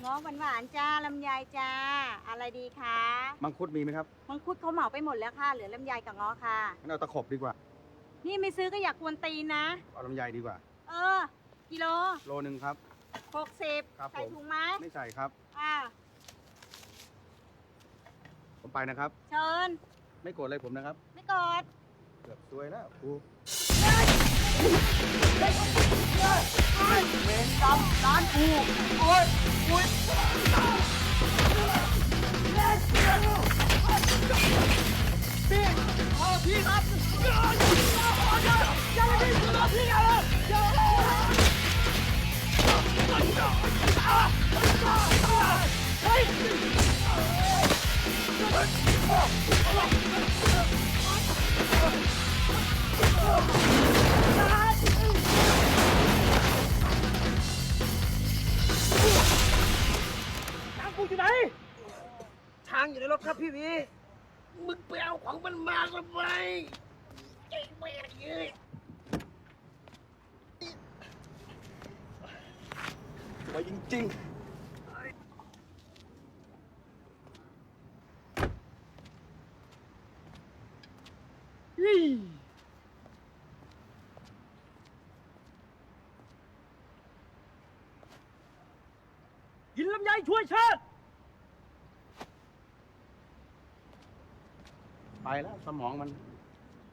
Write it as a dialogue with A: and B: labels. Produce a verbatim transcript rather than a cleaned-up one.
A: ง้อหวานๆจ้าลำไยจ้าอะไรดีคะ
B: มังคุดมีไหมครับ
A: มังคุดเขาเหมาไปหมดแล้วค่ะเหลือลำไยกับง้อค่ะ
B: งั้นเอาตะขบดีกว่า
A: นี่ไม่ซื้อก็อยากกวนตีนนะ
B: เอาลำไยดีกว่า
A: เออกิโล
B: โลนึงครับ
A: หกสิบ
B: ครับ
A: ใส่ถุงไหม
B: ไม่ใส่ครับ
A: อ่า
B: ผมไปนะครับ
A: เชิญ
B: ไม่โกรธอะไรผมนะครับ
A: ไม่กด
B: เกือบซวยแล้วครู
C: เวรกรรมร้านกูโอ้ยโอ้ยพี่ขอพี่ครับอย่าอย่าอย่าพี่ขอพี่อย่าอย่าเฮ้ยช้างกูอยู่ไหนช้างอยู่ในรถครับพี่วีมึงไปเอาของมันมาทำไมไอ้แม่เอ้ยไปจริงๆกินลำไยช่วยชาติ
B: ไปแล้วสมองมัน